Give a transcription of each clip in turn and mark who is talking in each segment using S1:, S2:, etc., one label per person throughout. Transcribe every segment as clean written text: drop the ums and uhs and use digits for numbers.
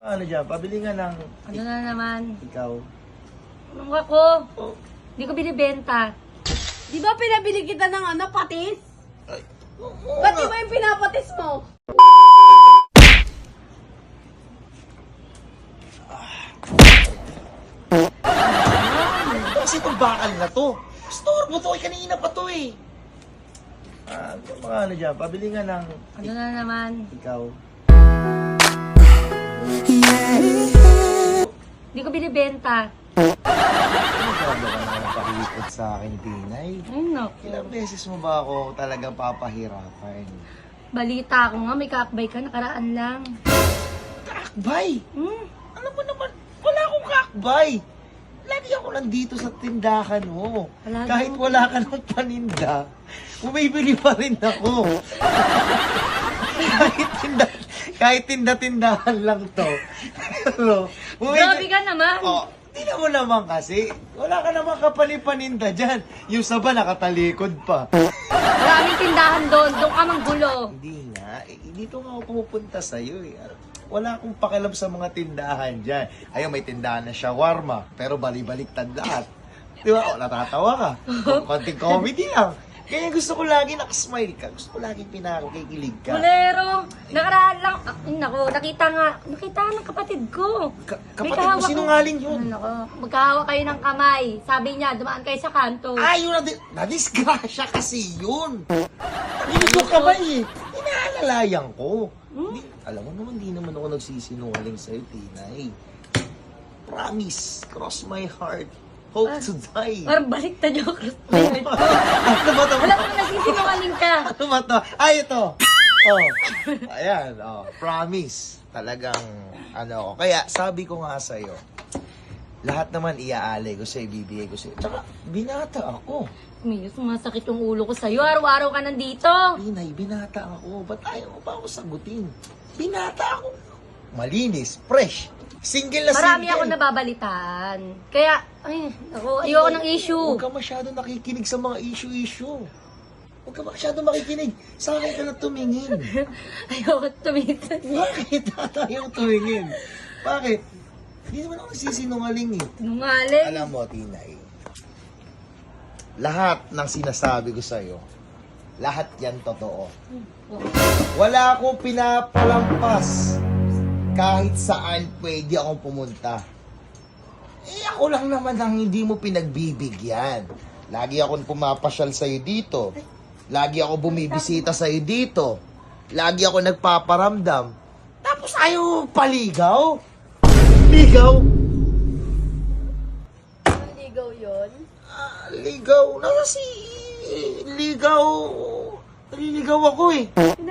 S1: Ano dyan? Pabili nga ng...
S2: Ano na naman?
S1: Ikaw.
S2: Anong ako?
S1: Oh.
S2: Hindi ko binibenta.
S3: Di ba pinabili kita ng patis?
S1: Ay.
S3: Ba't di ba yung pinapatis mo?
S1: Kasi itong bakal na to. Store mo to. Kanina pa to eh. Mga ano dyan? Pabili nga ng...
S2: Ano na naman?
S1: Ikaw.
S2: Hindi ko binibenta.
S1: Ano ka naman pakikot sa akin, Tinay?
S2: Ay, naku.
S1: Ilang beses mo ba ako talagang papahirapan?
S2: Balita ko nga, may kakbay ka, nakaraan lang.
S1: Kakbay!
S2: Hmm?
S1: Alam mo naman, wala akong kakbay! Lagi ako nandito sa tindahan mo.
S2: Wala
S1: Kahit
S2: daw.
S1: wala ka ng paninda, bumibili pa rin ako. kahit tinda-tindahan lang to. Pero,
S2: Grabe ka naman.
S1: Oh, tingnan mo naman kasi. Wala ka naman kapalipaninda dyan. Yung saba nakatalikod pa.
S2: Maraming tindahan doon. Doon ka manggulo.
S1: Hindi nga. Dito nga ako pumupunta sa'yo eh. Wala akong pakialam sa mga tindahan dyan. Ayun, may tindahan na shawarma. Pero bali-baliktad lahat. Di ba? O, natatawa ka. Konting comedy lang. Kaya gusto ko lagi nakasmile ka. Gusto ko lagi pinakakikilig ka.
S2: Bolero. Nakaraan lang. Ay, naku, nakita ng kapatid ko.
S1: Kapatid
S2: May
S1: mo,
S2: kahawak
S1: sinungaling
S2: ko.
S1: yun.
S2: Ay, naku, magkahawa kayo ng kamay. Sabi niya, dumaan kayo sa kanto.
S1: Yun na-disgrasya kasi yun. Hindi ko kamay eh. Inaalalayan ko. Alam mo naman, di naman ako nagsisinungaling sa'yo, Tinay. Promise, cross my heart, hope to die.
S2: Parang baliktad yung
S1: Ano ba ito?
S2: Alam mo, nagsisinungaling ka.
S1: Ano ba ito? Ay, ito. Oh. Ayan, promise. Talagang, kaya sabi ko nga sa'yo, lahat naman iaalay ko sa'yo, ibibigay ko sa'yo. Tsaka, binata ako.
S2: Minus, sumasakit yung ulo ko sa'yo. Araw-araw ka nandito.
S1: Pinay, binata ako. Ba't ayaw mo pa ako sagutin? Binata ako. Malinis, fresh. Single na
S2: Marami
S1: single.
S2: ako nababalitaan. Kaya, ayoko ng issue.
S1: Huwag ka masyado nakikinig sa mga issue-issue. Huwag ka masyado makikinig. Sa akin ka na tumingin.
S2: Ayoko tumingin.
S1: Bakit ayaw tumingin? Bakit? Hindi naman ako nagsisinungaling eh.
S2: Nungaling.
S1: Alam mo, Tinay, lahat ng sinasabi ko sa'yo, lahat yan totoo. Wala akong pinapalampas. Kahit saan pwede akong pumunta. Ako lang naman ang hindi mo pinagbibigyan. Lagi akong pumapasyal sa'yo dito. Lagi ako bumibisita sa'yo dito. Lagi ako nagpaparamdam. Tapos ayaw paligaw? Ligaw?
S3: Ligaw yun?
S1: Ligaw? Ligaw? Naliligaw ako eh.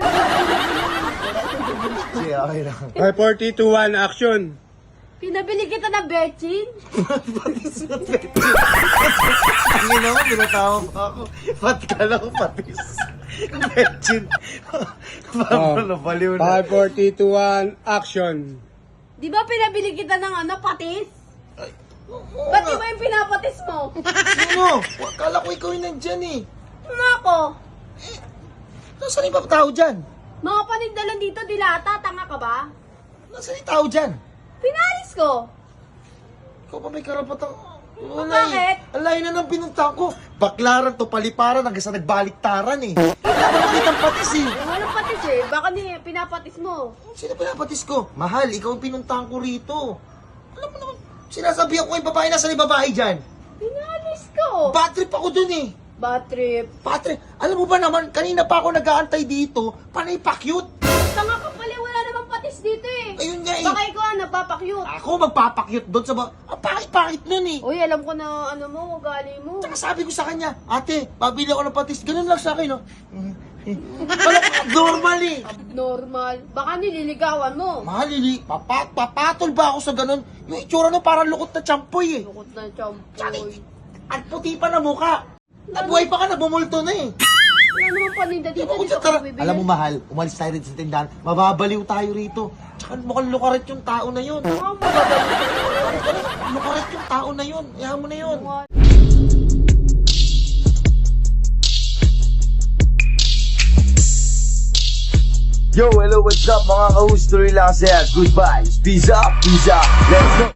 S1: Sige, okay lang.
S4: 5, 4, 3, 2, 1, action!
S3: Pinabili kita ng betchin?
S1: Patis na patis. Ang ina mo, binatawag pa ako. Ba't ka lang patis? Betchin. Parang nabaliw na.
S4: 5, 4, 3, 2, 1, action!
S3: Di ba pinabili kita ng patis?
S1: Ay,
S3: Ba't di ba yung pinapatis mo?
S1: Sino? Kala ko ikaw yung nandyan eh.
S3: Ano ako?
S1: Nasaan yung tao dyan?
S3: Mga panindalan dito, dilata, tanga ka ba?
S1: Nasaan yung tao dyan?
S3: Pinalis ko.
S1: Ikaw pa may karapatang...
S3: Bakit?
S1: Ang layo na ng pinunta ko. Baklaran to, paliparan, hanggang sa nagbaliktaran eh. Wala ko nakitang patis eh.
S3: Walang patis eh. Baka pinapatis mo.
S1: Sino pinapatis ko? Mahal, ikaw ang pinuntahan ko rito. Alam mo naman, sinasabihan ko yung babae, nasa yung babae dyan?
S3: Pinalis ko.
S1: Bad trip ako dun eh.
S3: Bad trip.
S1: Bad trip. Alam mo ba naman, kanina pa ako nag-aantay dito, panay pa-cute.
S3: Tanga ka pala, wala namang patis dito eh.
S1: Ayun nga eh.
S3: Baka ikaw nagpapakyut.
S1: Ako magpapakyut doon sa pakit-pakit nun eh.
S3: Uy, alam ko na ugali mo.
S1: Tsaka sabi ko sa kanya, ate, pabili ako ng patis. Ganun lang sa akin, no? Wala ko abnormal eh.
S3: Abnormal. Baka nililigawan mo.
S1: Mahal, papatol ba ako sa ganun? Yung itsura no, parang lukot na champoy eh.
S3: Lukot na
S1: Tsaka,
S3: champoy.
S1: at puti pa na mukha. At buhay pa ka na, bumulto na eh.
S3: Wala namang paninda dito.
S1: Ako,
S3: Dito
S1: tara.
S3: ako bibili.
S1: Alam mo mahal, umalis tayo rin sa tindahan. Mababaliw tayo rito. Tsaka mukhang lukaret yung tao na yun.
S3: Baka mababalik.
S1: Lukaret yung tao na yun. Ayaw mo na yun. Yo, hello, what's up mga ka-host? Tuloy lang saya. Goodbye. Peace up, let's go.